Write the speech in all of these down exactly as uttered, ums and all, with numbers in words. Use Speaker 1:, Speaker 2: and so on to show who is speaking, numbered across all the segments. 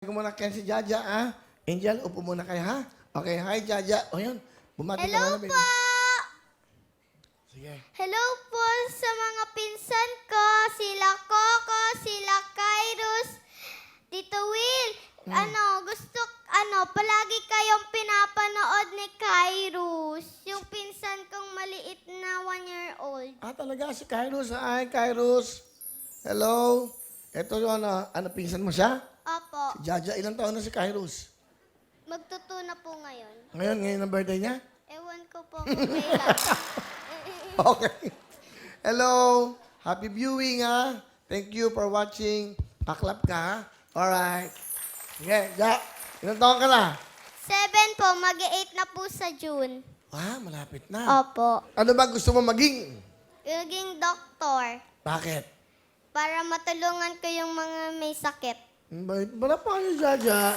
Speaker 1: ko muna kaya si Jaja, ah. Angel, upo muna kayo, ha? Okay, hi, Jaja. O yun, bumati ka
Speaker 2: Hello
Speaker 1: muna, baby.
Speaker 2: po!
Speaker 1: Sige.
Speaker 2: Hello po sa mga pinsan ko, sila Coco, sila Kairos, Tito Will. Ano, gusto, ano, palagi kayong pinapanood ni Kairos. Yung pinsan kong maliit na one year old.
Speaker 1: Ah, talaga, si Kairos. Hi, Kairos. Hello. Ito yung ano, ano, pinsan mo siya?
Speaker 2: Opo,
Speaker 1: Si Jaja, ilang taon na si Kairos?
Speaker 2: magtuto na po ngayon.
Speaker 1: Ngayon, ngayon ang birthday niya?
Speaker 2: Ewan ko po kung kailan.
Speaker 1: Okay. Hello. Happy viewing, ha? Thank you for watching. Paklap ka, ha? Alright. Sige, Ja. Ilang taon ka na?
Speaker 2: Seven po, mag-eight na po sa June.
Speaker 1: Ah, malapit na.
Speaker 2: Opo.
Speaker 1: Ano ba gusto mo maging?
Speaker 2: Maging doktor.
Speaker 1: Bakit?
Speaker 2: Para matulungan ko yung mga may sakit.
Speaker 1: Bakit? Wala pa kayo, Jaja.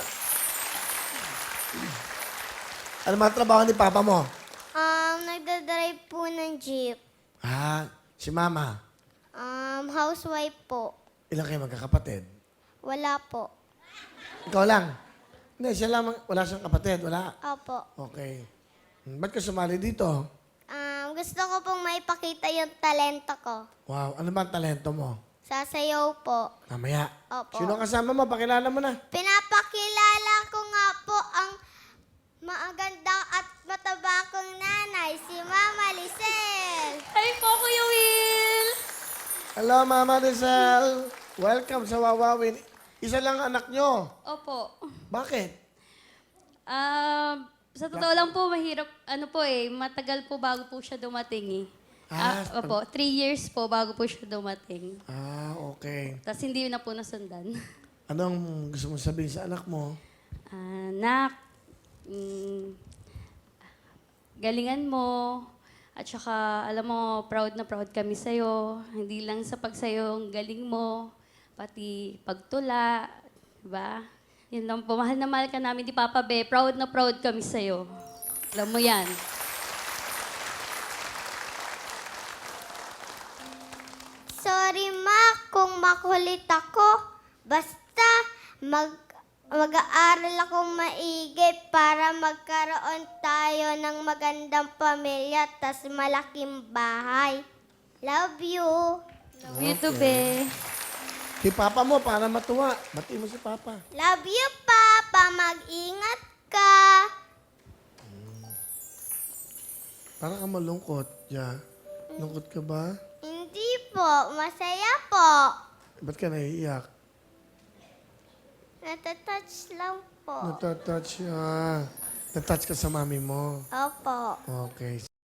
Speaker 1: Ano mga trabaho ni Papa mo?
Speaker 2: Um, nagdadrive po ng jeep.
Speaker 1: Ah, si Mama.
Speaker 2: Um, housewife po.
Speaker 1: Ilang kayo magkakapatid?
Speaker 2: Wala po.
Speaker 1: Ikaw lang? Hindi, siya lang. Wala siyang kapatid. Wala.
Speaker 2: Opo.
Speaker 1: Okay. Hmm, ba't ka sumali dito?
Speaker 2: Um, gusto ko pong maipakita yung talento ko.
Speaker 1: Wow, ano ba ang talento mo?
Speaker 2: Sasayaw po.
Speaker 1: Mamaya.
Speaker 2: Opo.
Speaker 1: Sino kasama mo? Pakilala mo na.
Speaker 2: Pinapakilala ko nga po ang maganda at mataba kong nanay, si Mama Lisel.
Speaker 3: Hi po, Kuya Will!
Speaker 1: Hello, Mama Rizal. Welcome sa Wawawin. Isa lang ang anak nyo.
Speaker 3: Opo.
Speaker 1: Bakit?
Speaker 3: Um, sa totoo lang po, mahirap, ano po eh, matagal po bago po siya dumating eh.
Speaker 1: Ah,
Speaker 3: Ah, opo, three years po bago po siya dumating.
Speaker 1: Ah, okay.
Speaker 3: Tapos hindi na po nasundan.
Speaker 1: Anong gusto mo sabihin sa anak mo?
Speaker 3: Anak, mm, galingan mo. At saka, alam mo, proud na proud kami sa'yo. Hindi lang sa pagsayo ang galing mo, pati pagtula, diba? Yun lang po, mahal na mahal ka namin di Papa Be. Proud na proud kami sa'yo. Alam mo yan.
Speaker 2: Sorry, Ma, kung makulit ako. Basta mag mag-aaral akong maigi para magkaroon tayo ng magandang pamilya tas malaking bahay. Love you.
Speaker 3: Love you too, Be.
Speaker 1: Si Papa mo, para matuwa. Bati mo si Papa.
Speaker 2: Love you, Papa. Mag-ingat ka.
Speaker 1: Para ka malungkot, Ja. Lungkot ka ba?
Speaker 2: Hindi po. Masaya po.
Speaker 1: Ba't ka naiiyak?
Speaker 2: Natatouch lang po.
Speaker 1: Natatouch, ah. Natouch ka sa mami mo.
Speaker 2: Opo.
Speaker 1: Okay.